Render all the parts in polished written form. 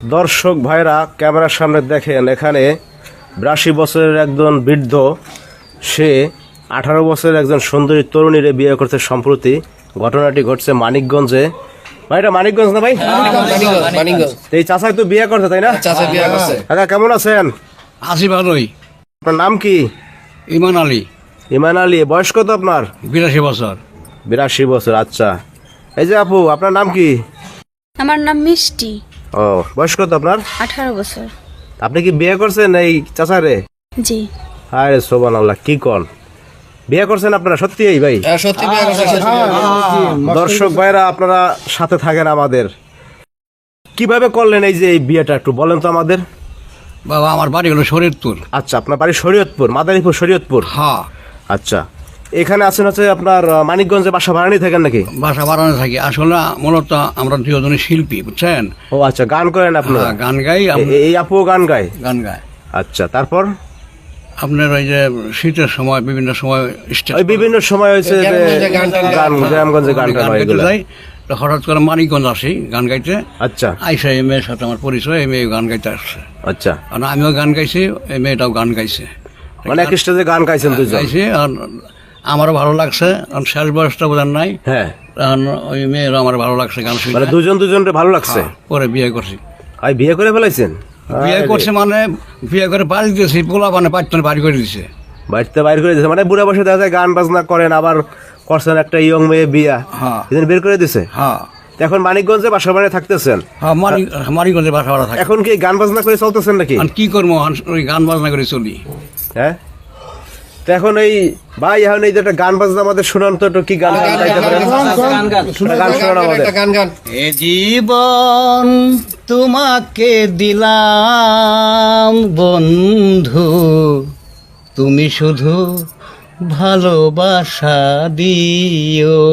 দর্শক ভাইরা ক্যামেরার সামনে দেখেন, এখানে 82 বছরের একজন বৃদ্ধ, সে 18 বছরের একজন সুন্দরী তরুণীরে বিয়ে করতে সম্প্রতি। ঘটনাটি ঘটছে মানিকগঞ্জে। ভাই, এটা মানিকগঞ্জ না ভাই? মানিকগঞ্জ। এই চাচাই তো বিয়ে করছে, তাই না? চাচা বিয়ে করছে। কাকা কেমন আছেন? আছি ভালোই। আপনার নাম কি? ইমান আলী। ইমান আলী। বয়স কত আপনার? 82 বছর। 82 বছর। আচ্ছা, এই যে আপু, আপনার নাম কি? আমার নাম মিষ্টি। ও, বয়স কত আপনার? 18 বছর। আপনি কি বিয়ে করছেন এই চাচারে? জি। আরে সুবহানাল্লাহ, কি কোন বিয়ে করছেন আপনারা? সত্যি এই ভাই? সত্যি বিয়ে করছে। দর্শক ভাইরা, আপনারা সাথে থাকেন আমাদের। কিভাবে করলেন এই যে এই বিয়েটা, একটু বলেন তো আমাদের। বাবা, আমার বাড়ি হলো শরীয়তপুর। আচ্ছা, আপনার বাড়ি শরীয়তপুর, মাদারীপুর, শরীয়তপুর। হ্যাঁ। আচ্ছা, এখানে আছেন হচ্ছে আপনার মানিকগঞ্জে বাসা ভাড়া নিয়ে থাকেন নাকি? বাসা বাড়ানো থাকি। আসলে মূলত আমরা দুজনে শিল্পী, বুঝছেন? ও আচ্ছা, গান করেন আপনারা? হ্যাঁ, গান গাই। এই আপুও গান গায়? গান গায়। আচ্ছা, তারপর আপনার ওই যে শীতের সময় বিভিন্ন সময় ওই বিভিন্ন সময় হয়েছে যে গান, গ্রামগঞ্জে গান টান হয় এগুলো। যাই, তো হঠাৎ করে মানিকগঞ্জ আসি গান গাইতে। আচ্ছা আইসা এই মেয়ের সাথে আমার পরিচয়, এই মেয়ে গান গাইতে আসছে। আচ্ছা, আর আমিও গান গাইছি, এই মেয়েটাও গান গাইছে। মানে এক স্টেজে গান গাইছেন দুজন? গাইছি, আর আমারও ভালো লাগছে। আর শেষ বয়সটা বোঝার নাই। হ্যাঁ, তখন ওই মেয়েরও আমার ভালো লাগছে গান শুনে। মানে দুজনকে ভালো লাগছে। পরে বিয়ে করছি। আর বিয়ে করে ফেলাইছেন? বিয়ে করছে মানে বিয়ে করে বাড়ি দিয়েছি, পোলা মানে পাঁচজন বাড়ি করে দিছে। বাড়িতে বাইর করে দিয়েছে মানে? বুড়া বসে দেখা যায় গান বাজনা করেন, আবার করছেন একটা ইয়ং মেয়ে বিয়া, হ্যাঁ। এদিন বের করে দিছে। হ্যাঁ। এখন মানিকগঞ্জে বাসা বাড়ি থাকতেছেন? হ্যাঁ, মানিকগঞ্জে বাসা ভাড়া থাকে। এখন কি গান বাজনা করে চলতেছেন নাকি? আর কি করবো, ওই গান বাজনা করে চলি। হ্যাঁ, তো এখন এই ভাই, এখন এই যে একটা গান বাজনা আমাদের শোনান তো, একটু কি গান গাইতে পারেন? গান শোনান আমাদের। গান। এ জীবন তোমাকে দিলাম বন্ধু, তুমি শুধু ভালোবাসা দিও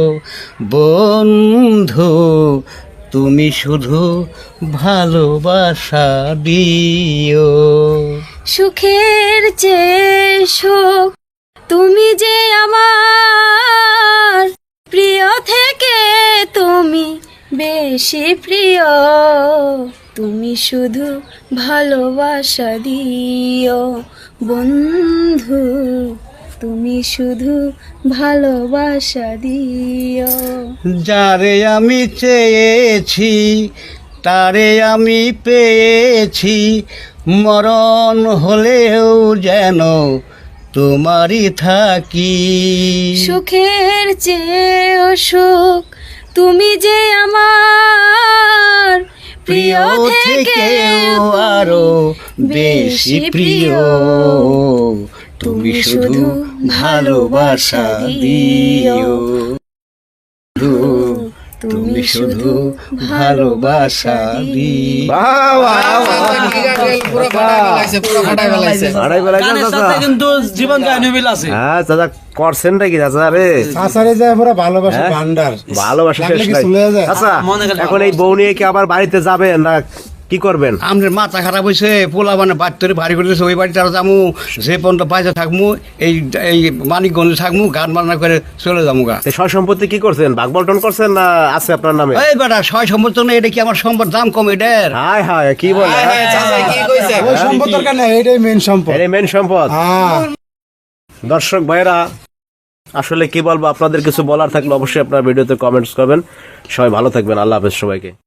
বন্ধু, তুমি শুধু ভালোবাসা দিও। সুখের চেয়ে সুখ তুমি যে আমার, প্রিয় থেকে তুমি বেশি প্রিয়, তুমি শুধু ভালোবাসা দিও বন্ধু, তুমি শুধু ভালোবাসা দিও। যারে আমি চেয়েছি তারে আমি পেয়েছি, মরণ হলেও যেন তোমারই থাকি। সুখের চেয়েও সুখ তুমি যে আমার, প্রিয় থেকেও আরো বেশি প্রিয়, তুমি শুধু ভালোবাসা দিও, তুমি শুধু ভালোবাসা দিও। বাহ, বাহ, বাহ। পুরো ফাটাই ফেলাইছে। আড়াই বেলা গান চাচা। কিন্তু জীবন কাহিনী মিল আছে। হ্যাঁ চাচা, করছেন নাকি চাচা? রে আসারে যায় পুরো ভালোবাসা ভান্ডার, ভালোবাসা শেষ লাগলে কি নাই। চলে যায়? আচ্ছা, মনে গেলে এখন এই বউ নিয়ে কি আবার বাড়িতে যাবেন না কি করবেন? আমাদের মাথা খারাপ হয়েছে, পোলা মানে বাড়িতে বাড়ি করে দিয়েছে, ওই বাড়িতে আরো যাবো, যে পর্যন্ত পাইতে থাকবো, এই মানিকগঞ্জে থাকবো, গান বাজনা করে চলে যাবো গা। এই সয় সম্পত্তি কি করছেন? ভাগ বন্টন করছেন না আছে আপনার নামে? এই বেটা, সয় সম্পদ না, এটা কি আমার সম্পদ দাম কম এটার? হায় হায়, কি বলে? চাচা কি কইছে? ওই সম্পদ দরকার নাই, এটাই মেন সম্পদ। এর মেন সম্পদ। হ্যাঁ, দর্শক ভাইরা, আসলে কি বলবো, আপনাদের কিছু বলার থাকলে অবশ্যই আপনার ভিডিওতে কমেন্টস করবেন। সবাই ভালো থাকবেন। আল্লাহ হাফেজ সবাইকে।